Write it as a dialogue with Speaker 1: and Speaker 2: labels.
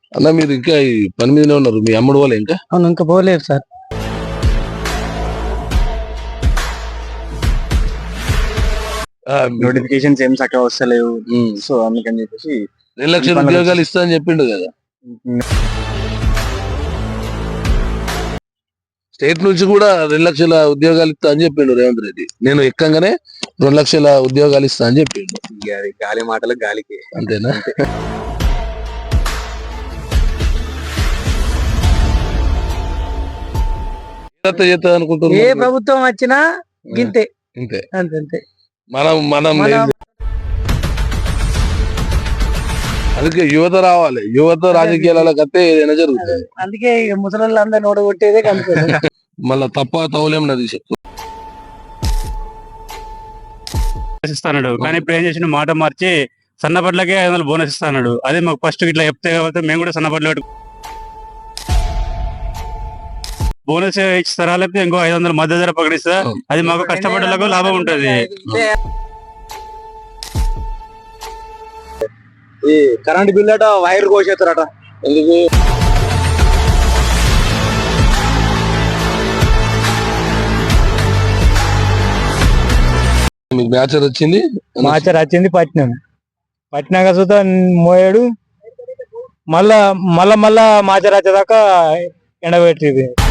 Speaker 1: అన్న మీరు ఇంకా ఈ పని మీదనే ఉన్నారు, మీ అమ్ముడు వాళ్ళు ఇంకా?
Speaker 2: అవును, ఇంకా పోలేదు సార్.
Speaker 3: నోటిఫికేషన్స్ ఏం చక్కగా వస్తలేవు. సో అందుకని చెప్పేసి
Speaker 1: 2 లక్షల ఉద్యోగాలు ఇస్తా అని చెప్పిండు కదా స్టేట్ నుంచి కూడా. 2 లక్షల ఉద్యోగాలు ఇస్తా అని చెప్పిండు రేవంత్ రెడ్డి. నేను ఎక్కంగానే 2 లక్షల ఉద్యోగాలు ఇస్తా అని చెప్పిండు.
Speaker 3: గాలి మాటలు గాలికి,
Speaker 1: అంతేనా? చేస్తా
Speaker 2: ఏ
Speaker 1: అనుకుంటున్నా.
Speaker 2: ప్రభుత్వం వచ్చినా గింతే,
Speaker 1: ఇంతే.
Speaker 2: అంతే.
Speaker 1: మనం మనం అందుకే యువత రావాలి, యువత రాజకీయాలకు వస్తే ఏదైనా జరుగుతుంది.
Speaker 2: అందుకే ముసలి అందరు నోడగొట్టేదే కనుక
Speaker 1: మళ్ళా తప్ప తౌలేం నది చెప్పు.
Speaker 4: ఇస్తాడు కానీ ఇప్పుడు ఏం చేసిన మాట మార్చి సన్నపట్లకే 500 బోనస్ ఇస్తాడు. అదే మాకు ఫస్ట్ ఇట్లా చెప్తే కాబట్టి మేము కూడా సన్నపట్ల బోనస్ ఇస్తారా, లేకపోతే ఇంకో 500 మధ్య ధర ప్రకటిస్తా, అది మాకు కష్టపడ్డలకు లాభం ఉంటది.
Speaker 3: ఈ కరెంట్ బిల్ అట వైర్ కోసేస్తారట.
Speaker 1: ఎందుకు? మీకు మ్యాచర్ వచ్చింది,
Speaker 2: మాచర్ వచ్చింది పట్టినాక చూద్దా మోయాడు, మళ్ళా మాచర్ వచ్చేదాకా ఎండబెట్టింది.